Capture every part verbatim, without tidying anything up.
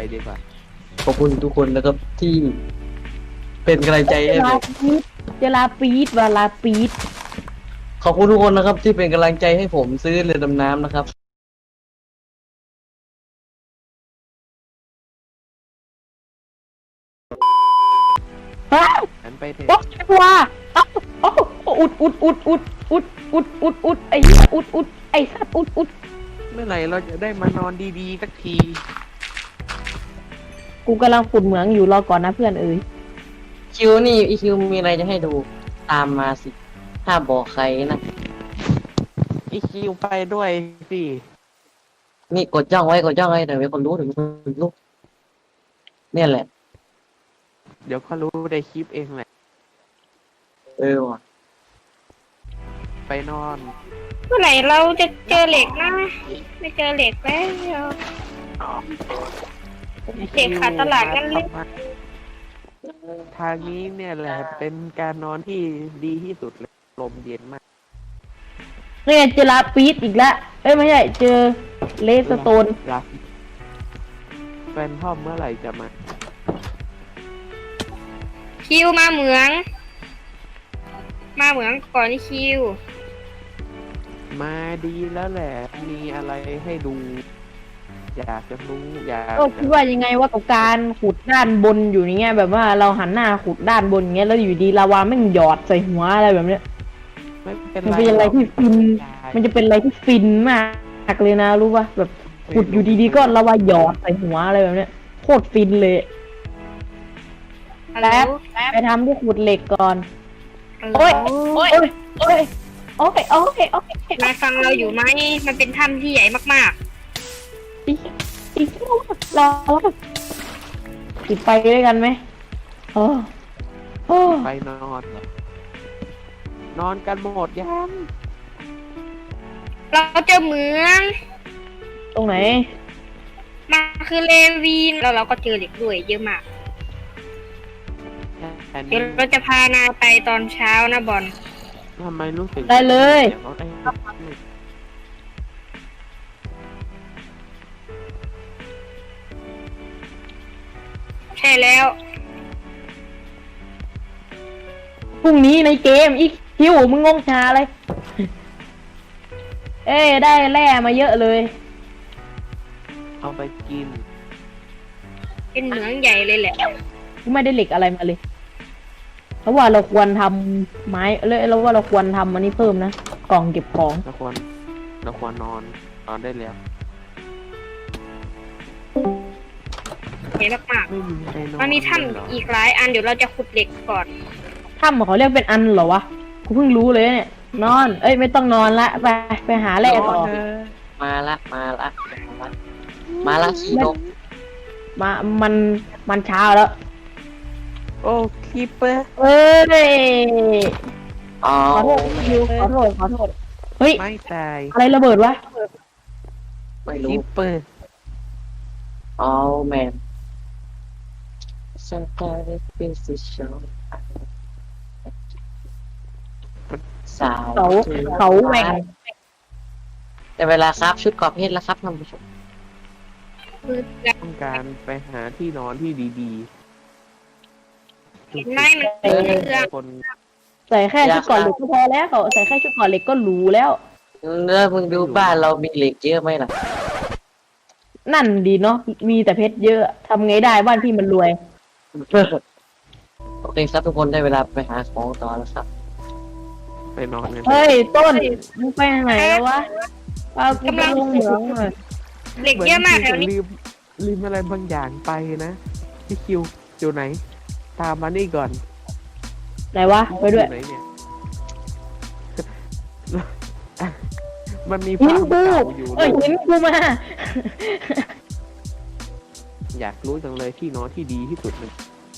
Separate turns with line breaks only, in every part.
ดีกว่า
ขอบคุณทุกคนนะครับที่เป็นกำลังใจให้ผม
เจลาปีดวาลาปีด
ขอบคุณทุกคนนะครับที่เป็นกำลังใจให้ผมซื้อเรือดำน้ำนะครับ
อ้าว
ฉันไปเถ
โอ๊
อะ
ยตัวอ้าวโอ้อุดอุดอุดอุดอุดอุดอุดอุดไอ้เหี้ยอุดอุดไอ้สัตว์อุดอุด
เมื่อไหร่เราจะได้มานอนดีๆสักที
กูกำลังขุดเหมืองอยู่รอก่อนนะเพื่อนเอ๋ย
คิวนี่อีคิวมีอะไรจะให้ดูตามมาสิถ้าบอกใครนะ
อีคิวไปด้วยสิ
นี่กดจ้องไว้กดจ้องไว้แต่ไม่คนรู้ถึงลูกเนี่ยแหละ
เดี๋ยวก็รู้ในคลิปเองแหละ
เออว่ะ
ไปนอน
เมื่อไหร่เราจะเจอเหล็กนะ ไม่เจอเหล็กแล้ว เด็กขาดตลาดงั้นเลย
ทางนี้เนี่ยแหละ เป็นการนอนที่ดีที่สุดเลยลมเย็นมาก
เนี่ยเจลาปีดอีกแล้วเอ้ยไม่ใช่เจอเลสโตน
รักแฟนพ่อมเมื่อไหร่จะมา
คิวมาเหมือง มาเหมืองก่อนคิว
มาดีแล้วแหละ มีอะไรให้ดู อยากจะรู้อยาก
ก็คิดว่ายังไงว่ากับการขุดด้านบนอยู่อย่างเงี้ยแบบว่าเราหันหน้าขุดด้านบนอย่างเงี้ยแล้วอยู่ดีลาวาแม่งหยอดใส่หัวอะไรแบบเนี้ย
ไม่เป็น
มัน
ไร
เป็นอะไรที่ฟิน
หรอก
มันจะเป็นอะไรที่ฟินมากเลยนะรู้ป่ะแบบขุดอยู่ดีๆก็ลาวาหยอดใส่หัวอะไรแบบเนี้ยโคตรฟินเลย
ฮัลโหล
ไปทำที่ขุดเหล็กก่อน
ฮัลโหล
โอ้ยโอ้ยโอ้ยโอ้ยโอ้ยโอ้ยโอ้ย
นายฟังเราอยู่ไหม มันเป็นถ้ำที่ใหญ่มาก
อีกอีกรอติดไปด้วยกันไหมโอ้โอ้
ไปนอนเหรอ นอนกันหมดยัง
ๆ เราเจอเหมือง
ตรงไหน
มาคือเลวีนแล้วเราก็เจอเหล็กด้วยเยอะมาก
อัน
เดี๋
นี้
ยวเราจะพานายไปตอนเช้านะบอล
ทำไมรู้สึก
ได้เลย
สีงรถไอ้
ใช่แล้ว
พรุ่งนี้ในเกมอีกคิวมึงงงชาอะไร เอ้ยได้แร่มาเยอะเลย
เอาไปกิน
เป็นเหมืองใหญ่เลยแหละ
กูไม่ได้เหล็กอะไรมาเลยเพราะว่าเราควรทำไม้เลยเราว่าเราควรทำอันนี้เพิ่มนะกล่องเก็บของ
เราควรเราควรนอนนอนได้แล้ว
ใหญ่มาก
ไม่มีใครนอน
ๆ มันมีถ้
เลยเหรอ
ำอีกหลายอันเดี๋ยวเราจะขุดเหล็กก่อน
ถ้ำเขาเรียกเป็นอันเหรอวะกูเพิ่งรู้เลยเนี่ยนอน เอ้ยไม่ต้องนอนละไปไปหาแร่ต่อ
นนเถะ
มาละมาละมาละมาละขี้นก
มามันมันเช้าแล้ว
โอ้คีเปอร์
เอ้ย
อ๋อ
ขอโทษคิวขอโทษขอโทษเฮ้ย
ไม่ตาย
อะไรระเบิดวะ
ไม่
คี
รู้
เปอร์
อ๋อแมนฉันก็ได้เป็นสิชอสาว
เขาเขาแหว่ง
แต่เวลาครับชุดกรอบเพชรแล้วครับท่านผู้ชม
คือแบบ
ต้องการไปหาที่นอนที่ดีๆ
เห็นไหมมันเป็นเครื่อง
คน
ใส่แค่ชุดก่อนเหล็กก็พอแล้วเขาใส่แค่ชุดก่อนเหล็กก็หรูแล้ว
เนื้อมึงดูบ้านเรามีเหล็กเยอะไหมล่ะ
นั่นดีเนาะมีแต่เพชรเยอะทำไงได้บ้านพี่มันรวย
โอเคครับทุกคนได้เวลาไปหาของต่อแล้วครับ
ไปนอนกัน
เฮ้ยต้นมึงไปทางไหนแล้ววะเอากูไปลงเหมืองหน่อย
เหล็กเยอะมากแถวนี้
ลืมลืมอะไรบางอย่างไปนะพี่คิวอยู่ไหน ตามมานี่ก่อน
ไหนวะไปด้วย
อไหนเนี่ย มันมี
หิ
ภาน พ
กู
เก่าอยู่
เอ้ยหินกูมา
อยากรู้จังเลยที่นอนที่ดีที่สุดมัน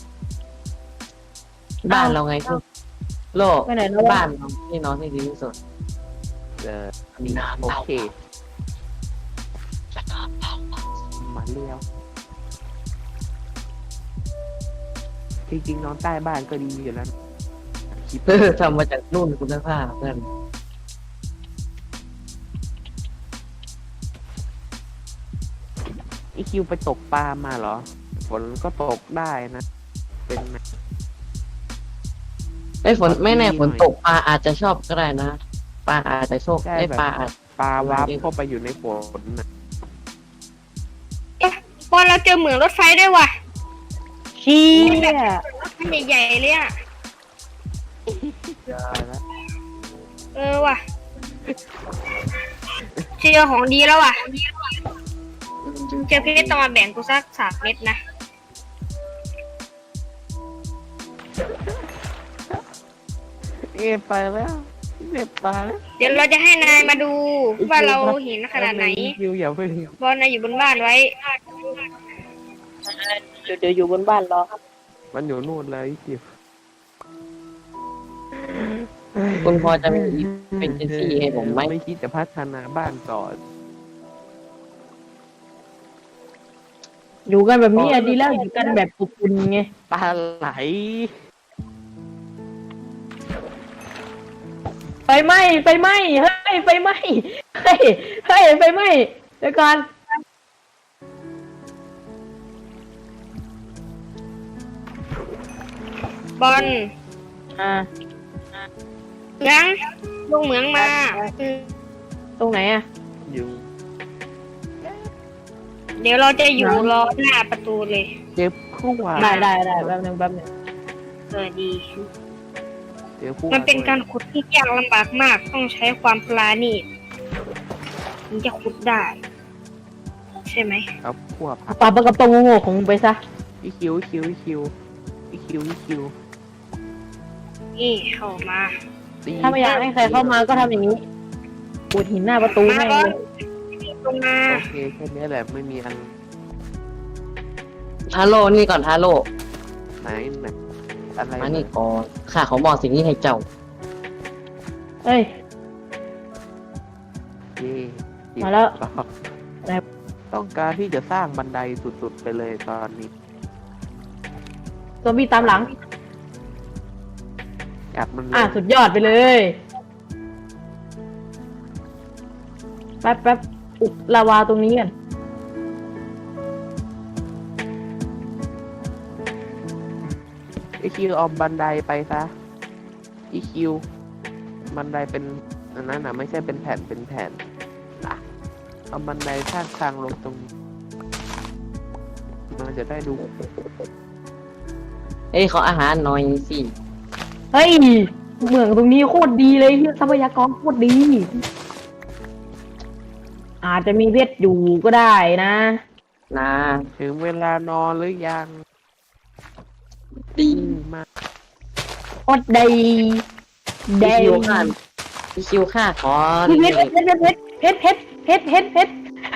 บ้านเราไงทุกโลก
ไปไหนแล้ววะ
บ้านเราที่นอนที่ดีที่สุด
เออนี่โอเคมาเลี้ยว จริงๆนอนใต้บ้านก็ดีอยู่แล้วคิด
เออทำมาจากนุ่นคุณภาพเพื่อน
ออีคิวไปตกปลามาเหรอฝนก็ตกได้นะ เป็นไหม
ไอ้ยฝนไม่แน่ฝนตกปลาอาจจะชอบก็ได้นะปลาอาจจะโชคไอ้ยปลาอาจ
ปลาวาร์ปเข้าไปอยู่ในฝนนะ
เอ๊ะบอลเราเจอเหมืองรถไฟด้วยว่ะ
เชี่ย
มันใหญ่ๆเลยอ่ะ
ไปแล้ว
เออว่ะเจอของดีแล้วว่ะเจอเพชรต้องมาแบ่งกูสักสามเม็ดนะ
เอะไปแล้วเน็บตายแล้ว
เดี๋ยวเราจะให้นายมาดูว่าเราเห็นขนาดไหน
อีคิวอย่าเพิ่ง
บอลนายอยู่บนบ้านไว้
เดี๋ยวเดี๋ยวอยู่บนบ้านรอครับ
มันอยู่นู่นเลยอีคิว
คุณพอจะมีเป็นเจนซี่ให้ผมไหม
ไม่คิดจะพัฒนาบ้านก่อน
อยู่กันแบบนี้อะดีแล้วอยู่กันแบบอบอุ่นไง
ปลาไหล
ไฟไหม้ไฟไหม้เฮ้ยไฟไหม้เฮ้ยเฮ้ยไฟไหม้เดี๋ยวก่อน
บอล
อ่า
เหมืองลงเหมืองมาอืม
ตรงไหนอะ
อยู่
เดี๋ยวเราจะอยู่รอหน้าประตูเลย
เจอผู้ว่า
ได้ได้ได้แป๊บนึงแป๊บนึง
เออดี
เจอผู้ว่า
มันเป็นการขุดที่ยากลำบากมาก ต้องใช้ความปราณีตถึงจะขุดได้ ใช่ไหม
เอาผู้ว่าพัก
ปรับกับตรงโง่ๆของมึงไปซะ
อีคิวอีคิวอีคิวอีคิวอีคิว
นี่เข้ามา
ตี
ถ้าไม่อยากให้ใครเข้ามาก็ทำอย่างนี้ปูดหินหน้าประตู
มา
ให้
บอ
เล
ล
ย
ลงมา
โอเคแค่นี้แหละไม่มีอัน
ทาโร่นี่ก่อนทาโร่
ไหนไหนอะไร
มานี่ก่อนข้าขอบอกสิ่งนี้ให้เจ้า
เอ้ย
เย่
มาแล้ว
ไหนต้องการที่จะสร้างบันไดสุดๆไปเลยตอนนี้
ซอมบี้ตามหลัง
อัดมันเล
อ่ะ
ย
สุดยอดไปเลยแป๊บแป๊บอุดลาวาตรงนี้กัน
อีคิวเอาบันไดไปซะอีคิวบันไดเป็นอันนั้นนะไม่ใช่เป็นแผ่นเป็นแผ่นอ่ะเอาบันไดข้างทางลงตรงนี้มันจะได้ดู
เอ้ยขออาหารหน่อยสิ
เฮ้ยเหมืองตรงนี้โคตรดีเลยเหี้ยทรัพยากรโคตรดี อาจจะมีเพชรอยู่ก็ได้นะ
นะ
ถึงเวลานอนหรือยัง
ดี
อืมมา
โคตรดีดี
พี่คิวข้าพี่คิวข้าขอ
เพชรเพชรเพชรเพชรเพชรเพชรเพชรเพชร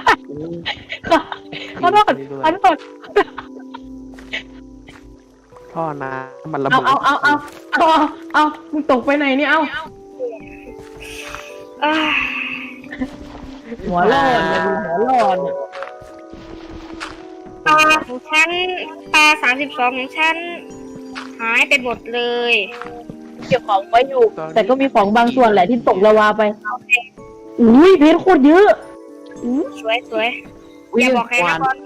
ขอโทษขอโทษ
ท่อน้ำมันระ
เอา
เบิด
เอาเอาเอาเอาเอามึงตกไปไหนเนี่ยเอา
อ่า
หัวร้อนเลยดูหัวร้อนอะ
ปลาของฉันปลาสามสิบสองของฉัน หายไปหมดเลย
เก็บของไว้อยู่ แต่ก็มีของบางส่วนแหละที่ตกละวาไปอุ้ยเพชรโคตรเยอะอุ๊ย
สวยสวยอย่าบอกใครนะบอล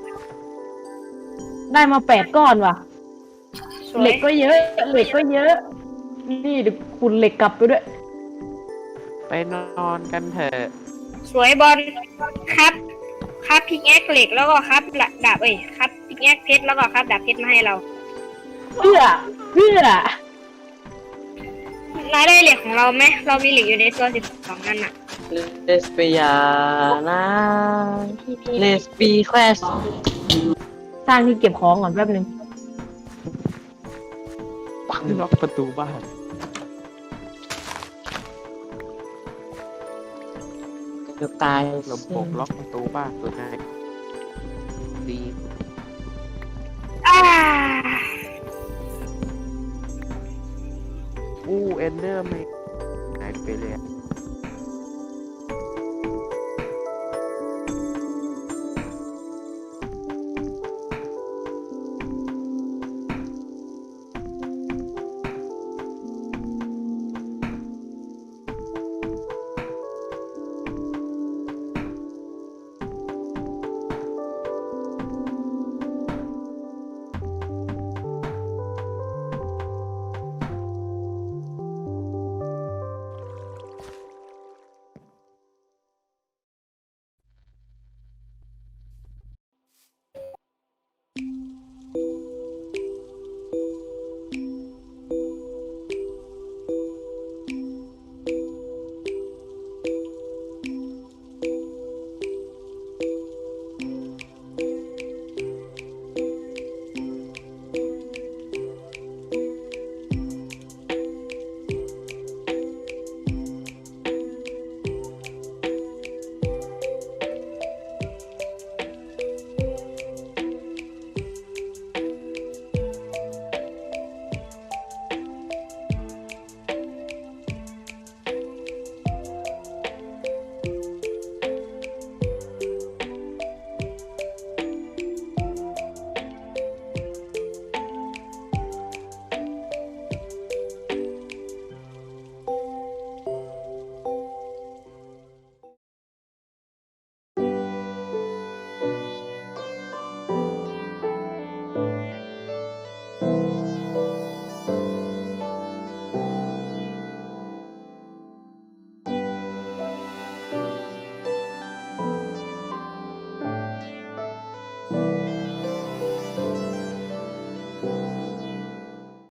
ได้มาแปดก้อนว่ะ
สวย
เหล็กก็เยอะ เหล็กก็เยอะ นี่เดี๋ยวคุณเหล็กกลับไปด้วย
ไปนอนกันเถอะ
สวยบอลครับครับพิกแอคเหล็กแล้วก็ครับดาบเอ้ยครับพิกแอคเพชรแล้วก็ครับดาบเพชรมาให้เรา
เพื่อ เพื่อ
นายได้เหล็กของเราไหมเรามีเหล็กอยู่ในตัวสิบสองนั่นน่ะ
เลสเปียนะเลสปีแควส
สร้างที่เก็บของก่อนแป๊บนึง
ปังล็อกประตูบ้าน
เกือบตาย
ลำโพงล็อกประตูบ้านตัวไหนดี
อ่า
อู้เอนเดอร์ไม่หายไปเลย